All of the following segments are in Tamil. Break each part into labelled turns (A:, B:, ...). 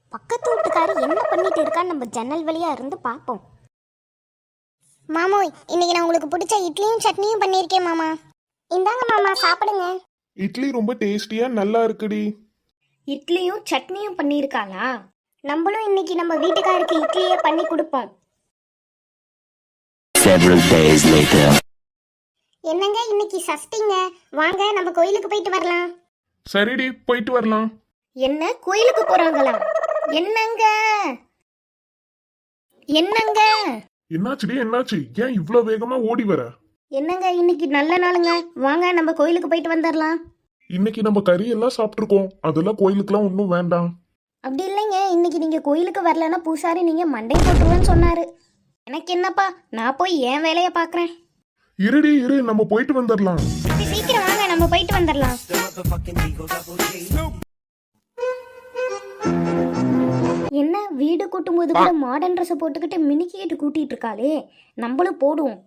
A: பக்கத்து வீட்டுக்காரு என்ன பண்ணிட்டு இருக்கான்னு நம்ம ஜன்னல் வழியா இருந்து பார்ப்போம். மாமோய், இன்னைக்கு நான் உங்களுக்கு பிடிச்ச இட்லியும் சட்னியும் பண்ணியிருக்கேன் மாமா. இந்தாங்க மாமா, சாப்பிடுங்க.
B: இட்லி ரொம்ப டேஸ்டியா நல்லா இருக்குடி.
A: இட்லியும் சட்னியும் பண்ணியிருக்காளா? நம்மளும் இன்னைக்கு நம்ம வீட்டுக்காருக்கு இட்லியே பண்ணி கொடுப்போம்.
C: Several days later.
A: என்னங்க இன்னைக்கு சஷ்டிங்க, வாங்க நம்ம கோயிலுக்கு போயிட்டு வரலாம்.
B: சரிடி, போயிட்டு வரலாம்.
A: என்ன கோயிலுக்கு போறாங்களா? என்னங்க என்னங்க
B: என்னாச்சுடி, என்னாச்சு? ஏன் இவ்ளோ வேகமா ஓடி வர?
A: என்னங்க இன்னைக்கு நல்ல நாளுங்க, வாங்க நம்ம கோயிலுக்கு போயிட்டு வந்துடலாம்.
B: இன்னைக்கு நம்ம கறி எல்லாம் சாப்பிட்டுருக்கோம், அதெல்லாம் கோயிலுக்குலாம் ஒன்றும் வேண்டாம்.
A: அப்படி இல்லைங்க, இன்னைக்கு நீங்க கோயிலுக்கு வரலன்னா பூசாரி நீங்க மண்டை போட்டுருவேன்னு சொன்னாரு. எனக்கு என்னப்பா, நான் போய் என் வேலையை பாக்குறேன்.
B: இருடி இரு, நம்ம போயிட்டு வந்துடலாம்.
A: சீக்கிரம் வாங்க, நம்ம போயிட்டு வந்துடலாம். என்ன வீடு கூட்டும் போது கூட மாடர்ன் ட்ரெஸ் போட்டுக்கிட்டு மினிக்கிட்டு கூட்டிட்டு இருக்காளே, நம்மளும் போடுவோம்.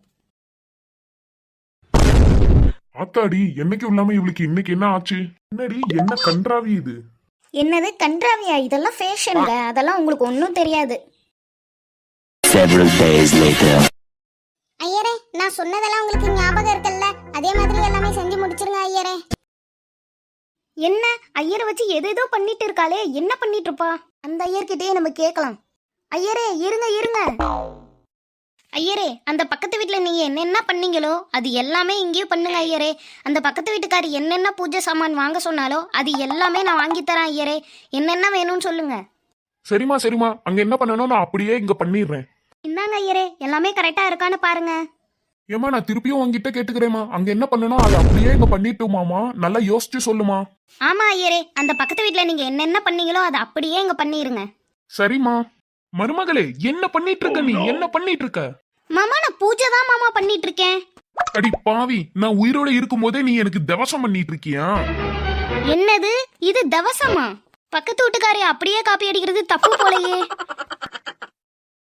B: ஆத்தாடி, என்னைக்கும் இல்லாம இவளுக்கு இன்னைக்கு என்ன ஆச்சு? என்னடி, என்ன கன்றாவி இது?
A: என்னது கன்றாவியா? இதெல்லாம் ஃபேஷன்ல, அதெல்லாம் உங்களுக்கு ஒன்றும் தெரியாது.
C: Several days later.
A: ஐயரே, நான் சொன்னதெல்லாம் உங்களுக்கு ஞாபகம் இருக்குல்ல? அதே மாதிரி எல்லாமே செஞ்சு முடிச்சிருங்க ஐயரே. என்ன ஐயரை வச்சு எதேதோ பண்ணிட்டு இருக்காளே, என்ன பண்ணிட்டு இருப்பா? அந்த ஐயர்கிட்டயே நம்ம கேட்கலாம். ஐயரே இருங்க இருங்க. ஐயரே, அந்த பக்கத்து வீட்டுல நீங்க என்னென்ன பண்ணீங்களோ அது எல்லாமே இங்கேயும் பண்ணுங்க ஐயரே. அந்த பக்கத்து வீட்டுக்காரி என்னென்ன பூஜை சாமான் வாங்க சொன்னாலோ அது எல்லாமே நான் வாங்கி தரேன் ஐயரே. என்னென்ன வேணும்னு சொல்லுங்க.
B: சரிமா சரிமா, அங்க என்ன பண்ணணும் நான் அப்படியே இங்க பண்ணிடுறேன்.
A: இந்தாங்க ஐயரே, எல்லாமே கரெக்டா இருக்கான்னு பாருங்க.
B: ஏமா, நான் திருப்பியும் உங்ககிட்ட கேட்டுக்கிறேமா, அங்க என்ன பண்ணணும் அதை அப்படியே இங்க பண்ணிட்டுமாமா, நல்லா யோசிச்சு சொல்லுமா.
A: ஆமா ஐயரே, அந்த பக்கத்து வீட்டுல நீங்க என்னென்ன பண்ணீங்களோ அதை அப்படியே இங்க பண்ணிருங்க.
B: சரிம்மா. மருமகளே, என்ன பண்ணிட்டு இருக்க நீ? என்ன பண்ணிட்டு இருக்க?
A: மாமா, நான் பூஜை தான் மாமா பண்ணிட்டு இருக்கேன்.
B: அடி பாவி, நான் உயிரோட இருக்கும் போதே நீ எனக்கு தவசம் பண்ணிட்டு இருக்கியா?
A: என்னது இது தவசமா? பக்கத்து வீட்டுக்காரி அப்படியே காப்பி அடிக்கிறது தப்பு போலயே.